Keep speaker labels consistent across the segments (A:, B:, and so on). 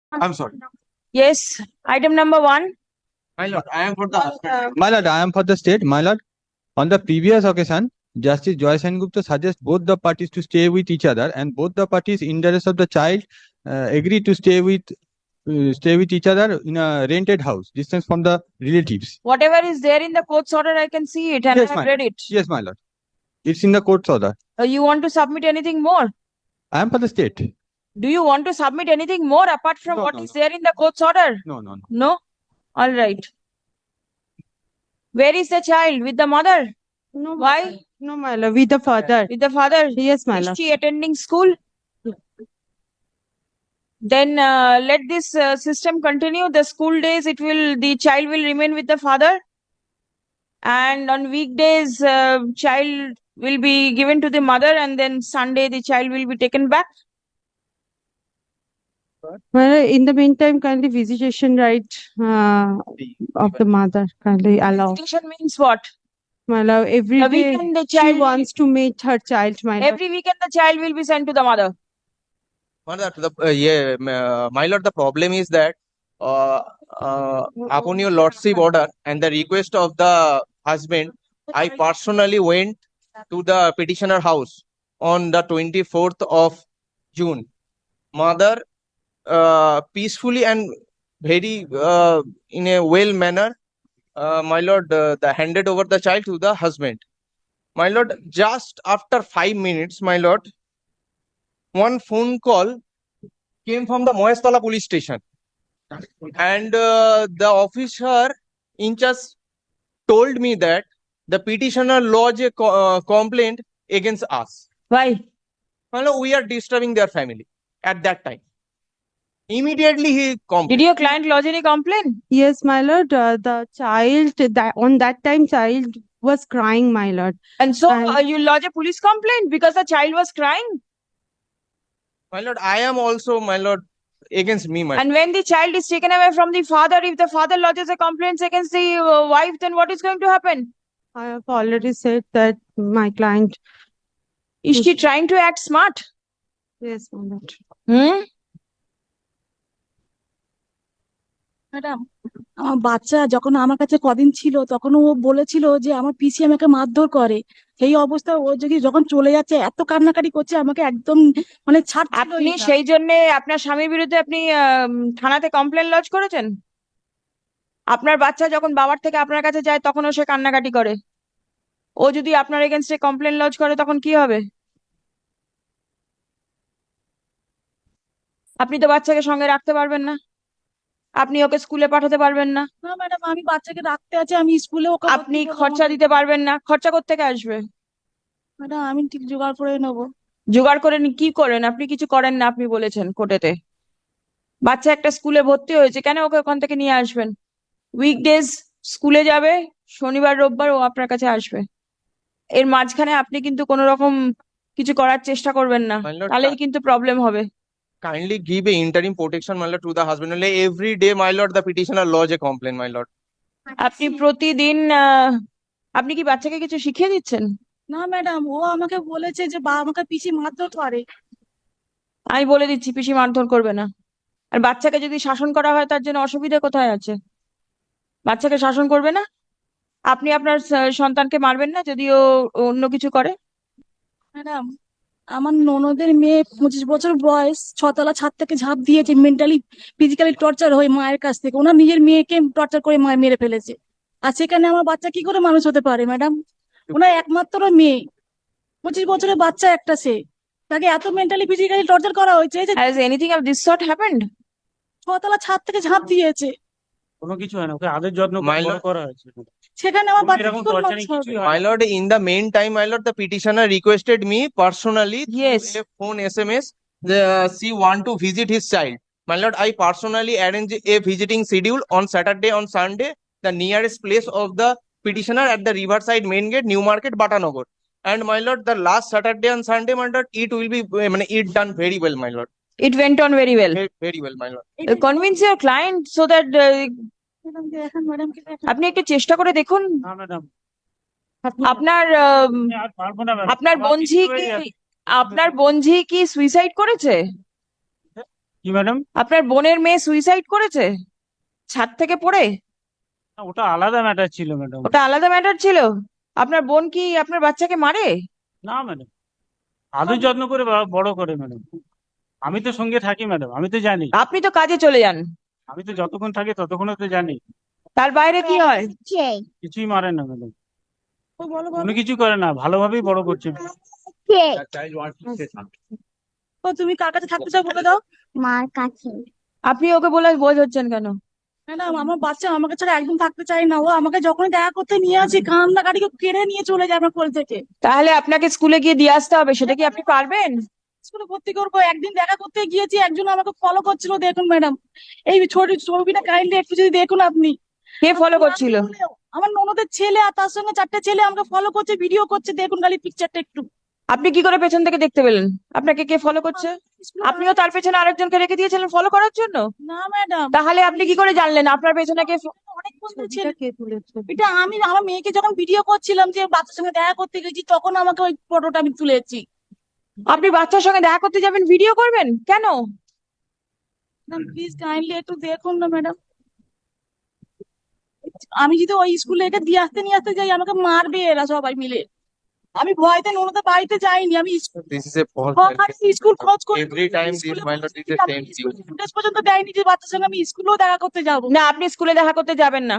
A: I'm sorry.
B: Yes, item number 1.
A: My lord, I am for the husband.
C: My lord, I am for the state. My lord, on the previous occasion, Justice Joy Sengupta suggests both the parties to stay with each other, and both the parties, in the interest of the child, agree to stay with each other in a rented house, distance from the relatives.
B: Whatever is there in the court's order, I can see it and
C: Yes,
B: I have
C: ma'am.
B: read it.
C: Yes, my lord. It's in the court's order.
B: You want to submit anything more?
C: I am for the state.
B: Do you want to submit anything more apart from
C: No,
B: what
C: no,
B: is
C: no.
B: there in the court's order?
C: No, no, no.
B: No? All right. Where is the child? With the mother?
D: No,
B: Why?
D: No, my lord, with the father.
B: With the father?
D: Yes, my
B: Is
D: lord.
B: she attending school? Then let this system continue. The school days, the child will remain with the father. And on weekdays, child will be given to the mother, and then Sunday the child will be taken back.
D: Well, in the meantime, kindly visitation right of the mother kindly allow.
B: Visitation means what?
D: My lord, every
B: The
D: day
B: weekend the
D: she
B: child
D: wants to meet her child. My lord.
B: every weekend the child will be sent to the mother.
A: My lord, the problem is that upon your lordship order and the request of the husband, I personally went to the petitioner house on the 24th of June. Mother peacefully and very in a well manner, my lord, handed over the child to the husband. My lord, just after 5 minutes, my lord, one phone call came from the Moestala police station, and the officer in charge told me that the petitioner lodged a complaint against us.
B: Why?
A: My lord, we are disturbing their family at that time. Immediately he complained.
B: Did your client lodge any complaint?
D: Yes, my lord. The child on that time child was crying, my lord.
B: And so
D: And-
B: you lodge a police complaint because the child was crying.
A: My lord, I am also, my lord, against me, my
B: And when the child is taken away from the father, if the father lodges a complaint against the wife, then what is going to happen?
D: I have already said that my client.
B: Is she trying to act smart?
D: Yes, my lord.
B: Hmm?
E: Madam, আমার বাচ্চা যখন আমার কাছে কদিন ছিল তখন ও বলেছিল যে আমার পিসি আমাকে মারধর করে। সেই অবস্থায় ও যখন চলে যাচ্ছে এত কান্নাকাটি করছে আমাকে একদম মানে
B: আপনি সেই জন্য আপনার স্বামীর বিরুদ্ধে আপনি থানাতে কমপ্লেন লজ করেছেন? আপনার বাচ্চা যখন বাবার থেকে আপনার কাছে যায় তখনও সে কান্নাকাটি করে। ও যদি আপনার এগেনস্টে কমপ্লেন লজ করে তখন কি হবে? আপনি তো বাচ্চাকে সঙ্গে রাখতে পারবেন না, আপনি ওকে স্কুলে পাঠাতে পারবেন না।
E: না ম্যাডাম, আমি বাচ্চাকে রাখতে আছে, আমি স্কুলে ওকে
B: আপনি খরচা দিতে পারবেন না, খরচা কোত্থেকে আসবে?
E: ম্যাডাম আমি ঠিক জোগাড় করে নেবো।
B: জোগাড় করে কি করেন? আপনি কিছু করেন না, আপনি বলেছেন কোর্টেতে। বাচ্চা একটা স্কুলে ভর্তি হয়েছে, কেন ওকে ওখান থেকে নিয়ে আসবেন? উইকডেজ স্কুলে যাবে, শনিবার রোববার ও আপনার কাছে আসবে। এর মাঝখানে আপনি কিন্তু কোনো রকম কিছু করার চেষ্টা করবেন না,
A: My lord,
B: তাহলেই কিন্তু প্রবলেম হবে।
A: kindly give a interim protection, my lord, to the husband. Only every day, my lord, the petitioner lodge a complaint, my lord.
B: আপনি প্রতিদিন আপনি কি বাচ্চাকে কিছু শিখিয়ে দিচ্ছেন?
E: না ম্যাডাম, ও আমাকে বলেছে যে আমাকে পিসি মারধর করে।
B: আমি বলে দিচ্ছি পিসি মারধর করবে না। আর বাচ্চাকে যদি শাসন করা হয় তার জন্য অসুবিধা কোথায় আছে? বাচ্চাকে শাসন করবে না? আপনি আপনার সন্তানকে মারবেন না যদি ও অন্য কিছু করে?
E: ম্যাডাম, আমার ননদের মেয়ে 25 বছর বয়স, 6তলা ছাদ থেকে ঝাঁপ দিয়েছে মেন্টালি ফিজিক্যালি টর্চার হয়ে মায়ের কাছ থেকে। ওনার নিজের মেয়েকে টর্চার করে মেরে ফেলেছে। আর সেখানে আমার বাচ্চা কি করে মানুষ হতে পারে ম্যাডাম? ওনার একমাত্র মেয়ে, 25 বছরের বাচ্চা একটা, সে তাকে এত মেন্টালি ফিজিক্যালি টর্চার করা হয়েছে যে
B: Has anything of this sort happened?
E: 6তলা ছাদ থেকে ঝাঁপ দিয়েছে।
F: কোনো কিছু হয় না, ওকে আদর যত্ন করে
A: My
F: বড়
A: lord-
F: করা হয়েছে।
E: সেখানে আমার বাচ্চা
F: এরকম
E: কি করে
F: torturing
E: মানুষ হবে?
F: কিছুই হয়
A: My
F: না।
A: lord, in the meantime, my lord, the petitioner requested me personally
B: Yes.
A: through a phone SMS. She want to visit his child. My lord, I personally arrange a visiting schedule on Saturday, on Sunday, the nearest place of the petitioner at the Riverside Main Gate, New Market, Batanagar. And my lord, the last Saturday and Sunday, my lord, it will be, it done very well, my lord.
B: It went on very well.
A: Very well, my lord.
B: Convince your client so that
E: madam দেখেন, madam কি দেখেন?
B: আপনি একটু চেষ্টা করে দেখুন।
F: না madam,
B: আপনার
F: আমি আর পারবো না ম্যাডাম।
B: আপনার
F: আমার
B: বোনঝি
F: কিছু হয়ে
B: কি
F: যাচ্ছে।
B: আপনার বোনঝি কি সুইসাইড করেছে?
F: কি ম্যাডাম?
B: আপনার বোনের মেয়ে সুইসাইড করেছে ছাদ থেকে পড়ে?
F: ওটা আলাদা ম্যাটার ছিল ম্যাডাম।
B: ওটা আলাদা ম্যাটার ছিল। আপনার বোন কি আপনার বাচ্চাকে মারে?
F: না ম্যাডাম, আদর যত্ন করে বড় করে ম্যাডাম। আমি তো সঙ্গে থাকি ম্যাডাম, আমি তো জানি।
B: আপনি তো কাজে চলে যান,
F: আমি তো যতক্ষণ থাকি ততক্ষণ তো জানি।
B: তার বাইরে কি হয়?
F: কিছুই মারে না ম্যাডাম,
E: ও বলো
F: কোনো
E: বলো।
F: কিছু করে না, ভালোভাবেই বড় করছে।
E: ও তুমি কার কাছে থাকতে চাও বলে দাও।
G: মার কাছে।
B: আপনি ওকে বলে বোঝাচ্ছেন কেন?
E: ম্যাডাম আমার বাচ্চা আমাকে ছাড়া একদম থাকতে চায় না, ও আমাকে যখনই দেখা করতে নিয়ে আসি কান্নাকাটিকে কেড়ে নিয়ে চলে যায় আমার কোল থেকে।
B: তাহলে আপনাকে স্কুলে গিয়ে দিয়ে আসতে হবে, সেটা কি আপনি পারবেন?
E: স্কুলে ভর্তি করবো, একদিন দেখা করতে গিয়েছি একজন আমাকে ফলো করছিল, দেখুন ম্যাডাম এই ছোট ছবিটা কাইন্ডলি একটু যদি দেখুন আপনি।
B: কে ফলো করছিল?
E: আমার ননদের ছেলে আর তার সঙ্গে 4টে ছেলে আমাকে ফলো করছে, ভিডিও করছে, দেখুন খালি পিকচারটা একটু।
B: আপনি কি করে পেছন থেকে দেখতে পেলেন আপনাকে কে ফলো করছে? আপনিও তার পেছনে আরেকজনকে রেখে দিয়েছিলেন ফলো করার জন্য?
E: না ম্যাডাম,
B: তাহলে আপনি কি করে জানলেন আপনার পেছনে কে
E: অনেক বন্ধু ছিল।
D: ছবিটা কে তুলেছে?
E: এটা আমি আমার মেয়েকে যখন ভিডিও করছিলাম যে বাচ্চার সঙ্গে দেখা করতে গেছি, তখন আমাকে ওই ফটোটা আমি তুলেছি।
B: আপনি বাচ্চার সঙ্গে দেখা করতে যাবেন, ভিডিও করবেন কেন?
E: প্লিজ কাইন্ডলি একটু দেখুন না ম্যাডাম। আমি যদি ওই স্কুলে একে নিয়ে আসতে যাই আমাকে মারবে এরা সবাই মিলে। আমি ভয়তে ননদের বাড়িতে যাইনি, আমি
A: This is a false
E: school খোঁজ করে
A: Every time this minor is the same thing.
E: Footage পর্যন্ত দেয়নি যে বাচ্চার সঙ্গে আমি স্কুলেও দেখা করতে যাবো।
B: না, আপনি স্কুলে দেখা করতে যাবেন না,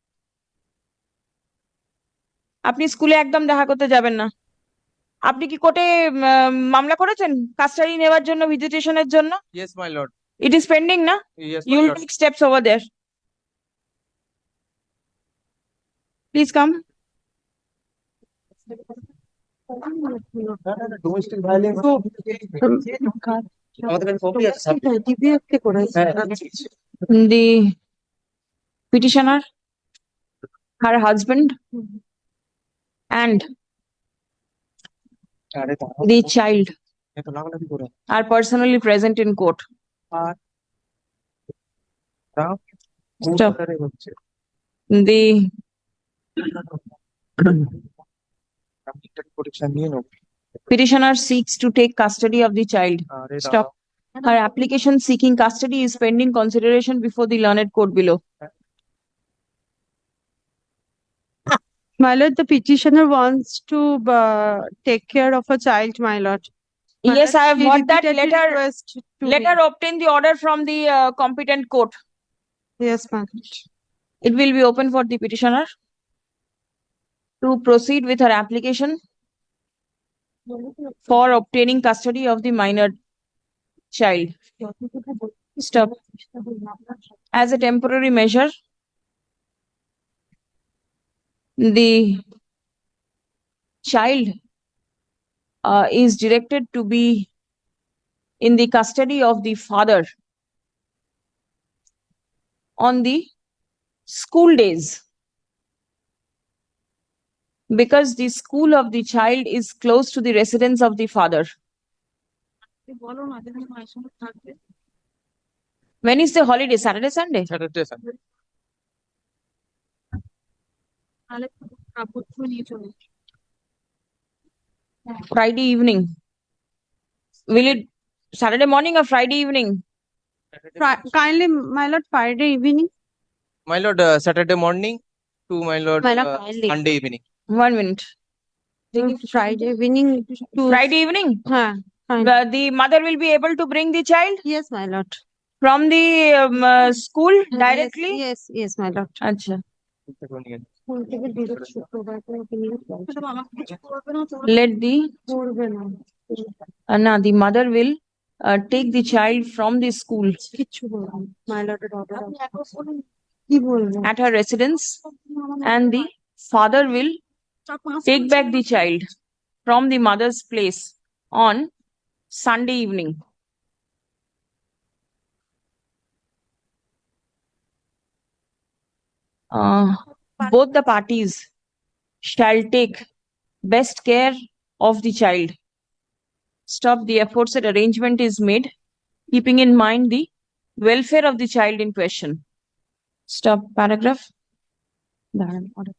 B: আপনি স্কুলে একদম দেখা করতে যাবেন না। আপনি কি কোর্টে মামলা করেছেন কাস্টাডি নেওয়ার জন্য, ভিজিটেশনের জন্য?
A: Yes, my lord.
B: It is pending না?
A: Yes, my
B: you will
A: lord.
B: Take steps over there. Please come.
A: Domestic violence. আমাদের কাছে copy আছে, sir.
D: DBF কে করেছে?
A: হ্যাঁ।
B: The petitioner, her husband, and
A: আরে
B: the child
A: এত লাগালাগি করে।
B: are personally present in court.
A: আর তাও
B: Stop.
A: কোথায় হচ্ছে?
B: The
A: আপনি একটা প্রোটেকশন নিয়ে নাও।
B: petitioner seeks to take custody of the child.
A: আরে
B: Stop. Her application seeking custody is pending consideration before the learned court below.
D: My lord, the petitioner wants to take care of a child, my lord. My
B: Yes,
D: lord,
B: I have
D: she
B: got that
D: repeatedly
B: letter.
D: request to
B: Let her obtain the order from the competent court.
D: Yes, my lord.
B: It will be open for the petitioner to proceed with her application for obtaining custody of the minor child. Stop. As a temporary measure, the child is directed to be in the custody of the father on the school days, because the school of the child is close to the residence of the father.
E: বলো না যেখানে মায়ের সঙ্গে থাকবে।
B: When is the holiday? Saturday, Sunday?
A: Saturday, Sunday.
E: তাহলে কাপড় ধুয়ে নিয়ে চলে যাবে।
B: Friday evening? Will it Saturday morning or Friday evening?
D: Kindly, my lord, Friday evening.
A: My lord, Saturday morning to my lord,
D: My lord, kindly.
A: Sunday evening.
B: 1 minute.
D: Friday evening to.
B: Friday evening?
D: Huh, fine.
B: The mother will be able to bring the child
D: Yes, my lord.
B: from the school directly?
D: Yes, yes, my lord.
B: Acha.
D: School থেকে direct শুক্রবার করে ওকে নিয়ে যাবো।
E: Madam আমাকে কিছু করবে না তো?
B: Let the
D: করবে না,
B: the mother will take the child from the school
D: কিচ্ছু বলবে না। My lord এর order
E: আপনি
D: আছে।
E: একবার বলুন।
D: কি বলবো?
B: at her residence, and the father will take back the child from the mother's place on Sunday evening. Both the parties shall take best care of the child. Stop. The aforesaid arrangement is made, keeping in mind the welfare of the child in question. Stop. Paragraph. দাঁড়ান, order.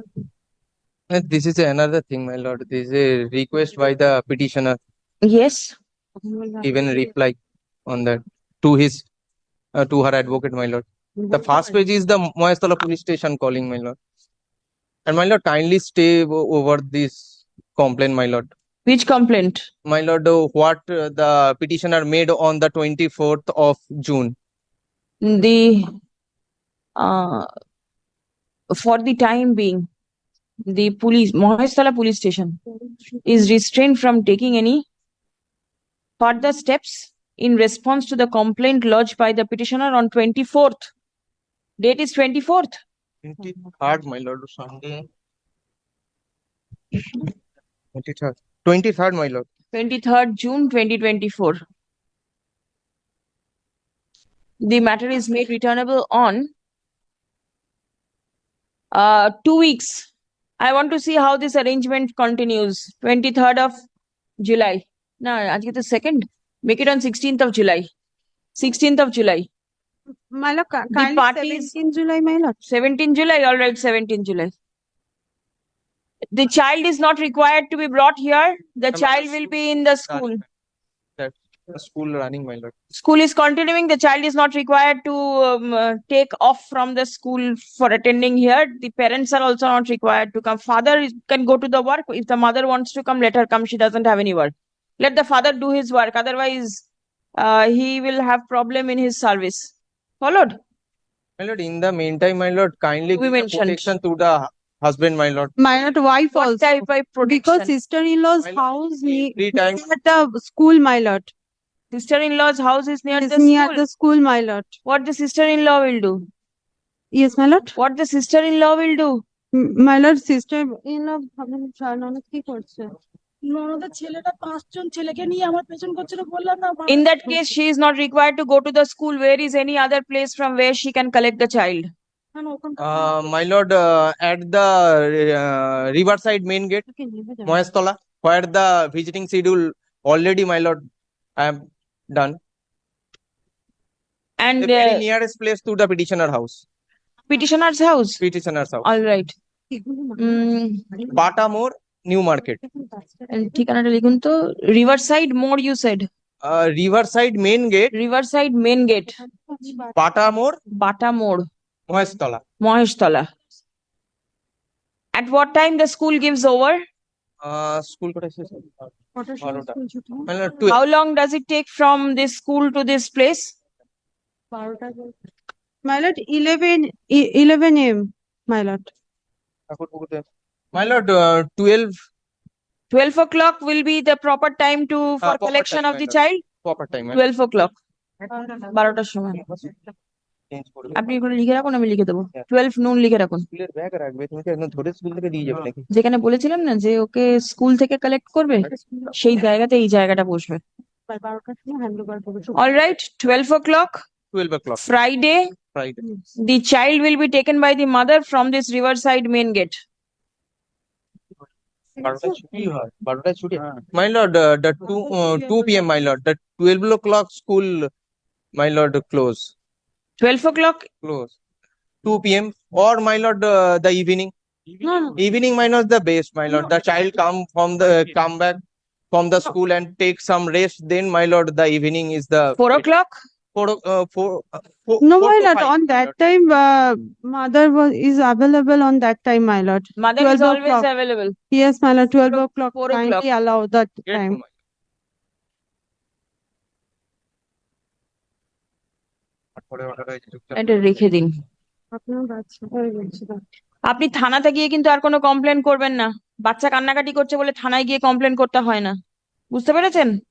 A: This is another thing, my lord. This is a request by the petitioner,
B: Yes,
A: even reply on that to his to her advocate, my lord. The first page is the Mohestola police station calling, my lord. And my lord, kindly stay over this complaint, my lord.
B: which complaint?
A: My lord, what the petitioner made on the 24th of June.
B: The uh, for the time being, the police, Mohestola police station, is restrained from taking any further steps in response to the complaint lodged by the petitioner on 24th. Date is 24th.
A: 23rd, my lord, Sunday. 23rd. 23rd, my lord.
B: 23rd June 2024. The matter is made returnable on 2 weeks. I want to see how this arrangement continues. 23rd of July. No, আজকে তো 2nd. Make it on 16th of July. 16th of July.
D: My lord, kindly
B: parties-
D: 17 July, my lord.
B: 17 July, all right, 17 July. The child is not required to be brought here. The
A: Ma'am,
B: child will be in the school.
A: That the school running, my lord.
B: School is continuing. The child is not required to take off from the school for attending here. The parents are also not required to come. Father can go to the work. If the mother wants to come, let her come. She doesn't have any work. Let the father do his work. Otherwise, he will have problem in his service. Followed?
A: My lord, in the meantime, my lord, kindly
B: We
A: give the
B: mentioned.
A: protection to the husband, my lord.
D: My lord, wife
B: What
D: also.
B: type of
D: Because
B: protection?
D: sister-in-law's
A: My lord,
D: house
A: every time
D: at the school, my lord.
B: Sister-in-law's house is near
D: Is
B: the
D: near
B: school.
D: the school, my lord.
B: What the sister-in-law will do?
D: Yes, my lord.
B: What the sister-in-law will do?
D: My lord, sister-in-law ননদ কি করছে?
E: ননদের ছেলেটা 5 জন ছেলেকে নিয়ে আমার পেছন করছিল বললাম না
B: In that case, she is not required to go to the school. Where is any other place from where she can collect the child?
A: my lord, at the Riverside main gate, Mohestola, where the visiting schedule already, my lord, I am done.
B: And
A: The very nearest place to the petitioner house.
B: petitioner's house.
A: Petitioner's house.
B: All right.
A: Bata More, New Market.
B: ঠিকানাটা লিখুন তো। Riverside More, you said.
A: Riverside main gate,
B: Riverside main gate.
A: Bata More,
B: Bata More,
A: Mohestola.
B: Mohestola. At what time the school gives over?
A: School kota শেষ হবে? 12টা। My lord,
B: How long does it take from this school to this place?
D: My lord, 11 a.m. My lord.
A: My lord, 12
B: 12 o'clock will be the proper time to for
A: proper
B: collection
A: time,
B: of
A: my
B: the
A: lord.
B: child.
A: proper time.
B: 12 o'clock. 12টার সময়।
A: Change করে
B: আপনি এগুলো লিখে রাখুন, আমি লিখে দেবো। 12 noon লিখে রাখুন।
A: স্কুলের ব্যাগ রাখবে, তুমি কি একদম ধরে স্কুল থেকে দিয়ে যাবে নাকি?
B: যেখানে বলেছিলাম না যে ওকে স্কুল থেকে কালেক্ট করবে, সেই জায়গাতে এই জায়গাটা বসবে। All right, 12 o'clock,
A: 12 o'clock,
B: Friday,
A: Friday.
B: the child will be taken by the mother from this Riverside main gate.
A: 12টায় ছুটি হয়, 12টায় ছুটি। My lord, the 2 p.m. my lord, the 12 o'clock school, my lord, close.
B: 12 o'clock,
A: 2 p.m. or my lord, the evening.
B: no,
A: Evening, my lord, the best, my lord. The child come back from the school and take some rest. Then, my lord, the evening is the
B: 4 o'clock,
A: 4
D: No,
A: 4
D: my
A: to
D: lord,
A: 5,
D: on
A: my
D: that
A: lord.
D: time, mother is available on that time, my lord.
B: mother is
D: 12
B: always
D: o'clock.
B: available.
D: Yes, my lord, 12 o'clock.
B: 4 o'clock.
D: Kindly allow that
A: Get
D: time.
A: to my পরে order হয়েছে, চুপচাপ
B: এটা রেখে দিন।
D: আপনার বাচ্চা হয়ে গেছে তো।
B: আপনি থানাতে গিয়ে কিন্তু আর কোনো কমপ্লেন করবেন না। বাচ্চা কান্নাকাটি করছে বলে থানায় গিয়ে কমপ্লেন করতে হয় না, বুঝতে পেরেছেন?